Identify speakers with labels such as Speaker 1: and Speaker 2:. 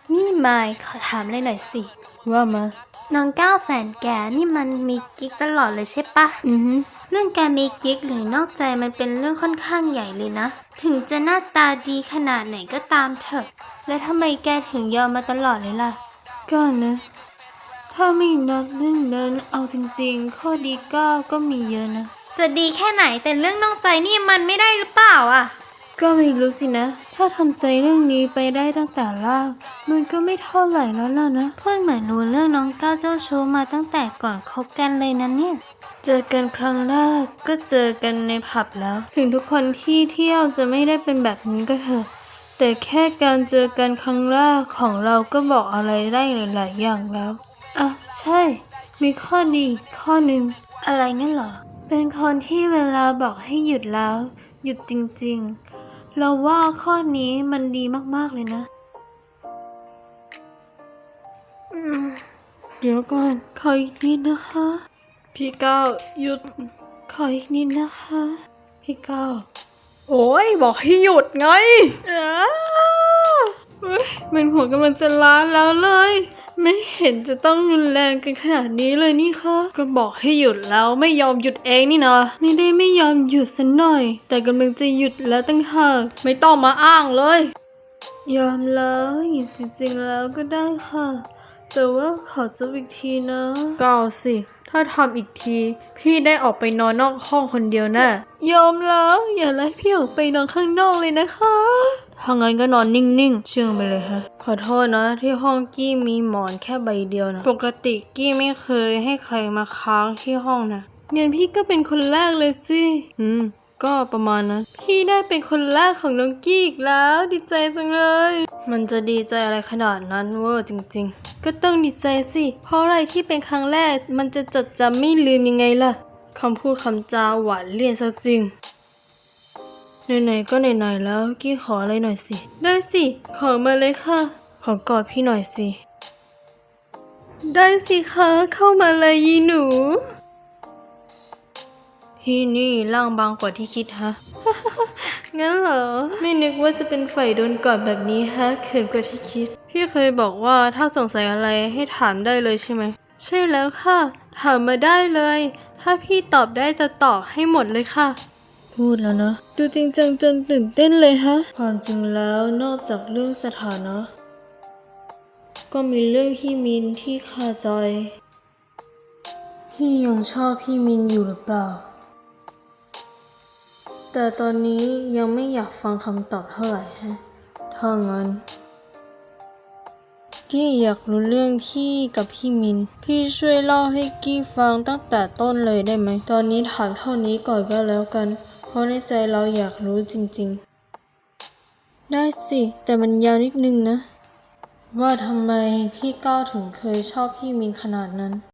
Speaker 1: นี่มายขอถามเลยหน่อยสิ
Speaker 2: ว่ามา
Speaker 1: น้องก้าวแฟนแกนี่มันมีกิ๊กตลอดเลยใช่ปะเรื่องการมีกิ๊กหรือนอกใจมันเป็นเรื่องค่อนข้างใหญ่เลยนะถึงจะหน้าตาดีขนาดไหนก็ตามเถอะแล้วทำไมแกถึงยอมมาตลอดเลยล่ะ
Speaker 2: ก็นะถ้าไม่นับเรื่องนั้นเอาจริงๆข้อดีก็มีเยอะนะ
Speaker 1: จะดีแค่ไหนแต่เรื่องนอกใจนี่มันไม่ได้หรือเปล่าอ่ะ
Speaker 2: ก็ไม่รู้สินะถ้าทำใจเรื่องนี้ไปได้ตั้งแต่แรกมันก็ไม่เท่าไหร่แล้วล่ะนะ
Speaker 1: เพื่อนเหมือนรู้เรื่องน้องก้าวเจ้าชู้มาตั้งแต่ก่อนคบกันเลยนะเนี่ย
Speaker 2: เจอกันครั้งแรกก็เจอกันในผับแล้วถึงทุกคนที่เที่ยวจะไม่ได้เป็นแบบนี้ก็เถอะแต่แค่การเจอกันครั้งแรกของเราก็บอกอะไรได้หลายๆอย่างแล้วอ่ะใช่มีข้อดีข้อหนึ่ง
Speaker 1: อะไรงั้นเหรอ
Speaker 2: เป็นคนที่เวลาบอกให้หยุดแล้วหยุดจริงๆเราว่าข้อนี้มันดีมากๆเลยนะเดี๋ยวก่อนขออีกนิดนะคะพี่ก้าวหยุดขออีกนิดนะคะพี่ก้าวโอ้ยบอกให้หยุดไงมันหัวกำลังจะล้านแล้วเลยไม่เห็นจะต้องรุนแรงกันขนาดนี้เลยนี่คะก็บอกให้หยุดแล้วไม่ยอมหยุดเองนี่นะไม่ได้ไม่ยอมหยุดสักหน่อยแต่กำลังจะหยุดแล้วตั้งหากไม่ต้องมาอ้างเลยยอมแล้วหยุดจริงๆแล้วก็ได้ค่ะแต่ว่าขอจบอีกทีนะก็เอาสิถ้าทำอีกทีพี่ได้ออกไปนอนนอกห้องคนเดียวแน่ยอมแล้วอย่าไล่พี่ออกไปนอนข้างนอกเลยนะคะถ้างั้นก็นอนนิ่งๆเชื่องไปเลยฮะขอโทษนะที่ห้องกี้มีหมอนแค่ใบเดียวนะปกติกี้ไม่เคยให้ใครมาค้างที่ห้องนะงั้นพี่ก็เป็นคนแรกเลยสิก็ประมาณนั้นพี่ได้เป็นคนแรกของน้องกี้อีกแล้วดีใจจังเลยมันจะดีใจอะไรขนาดนั้นเวอร์จริงๆก็ต้องดีใจสิเพราะอะไรที่เป็นครั้งแรกมันจะจดจำไม่ลืมยังไงล่ะคำพูดคำจาหวานเลี่ยนซะจริงไหนๆก็ไหนๆแล้วกี้ขออะไรหน่อยสิได้สิขอมาเลยค่ะขอกอดพี่หน่อยสิได้สิคะเข้ามาเลยยีหนูพี่นี่ร่างบางกว่าที่คิดฮะ งั้นเหรอไม่นึกว่าจะเป็นฝ่ายโดนกอดแบบนี้ฮะเขินกว่าที่คิดพี่เคยบอกว่าถ้าสงสัยอะไรให้ถามได้เลยใช่ไหมใช่แล้วค่ะถามมาได้เลยถ้าพี่ตอบได้จะตอบให้หมดเลยค่ะพูดแล้วนะดูจริงจังจนตื่นเต้นเลยฮะความจริงแล้วนอกจากเรื่องสถานะก็มีเรื่องพี่มินที่คาใจพี่ยังชอบพี่มินอยู่หรือเปล่าแต่ตอนนี้ยังไม่อยากฟังคำตอบเท่าไหร่ฮะถ้างั้นกี้อยากรู้เรื่องพี่กับพี่มินพี่ช่วยเล่าให้กี้ฟังตั้งแต่ต้นเลยได้ไหมตอนนี้ถามเท่านี้ก่อนก็แล้วกันเพราะในใจเราอยากรู้จริงๆได้สิแต่มันยาวนิดนึงนะว่าทำไมพี่ก้าวถึงเคยชอบพี่มินขนาดนั้น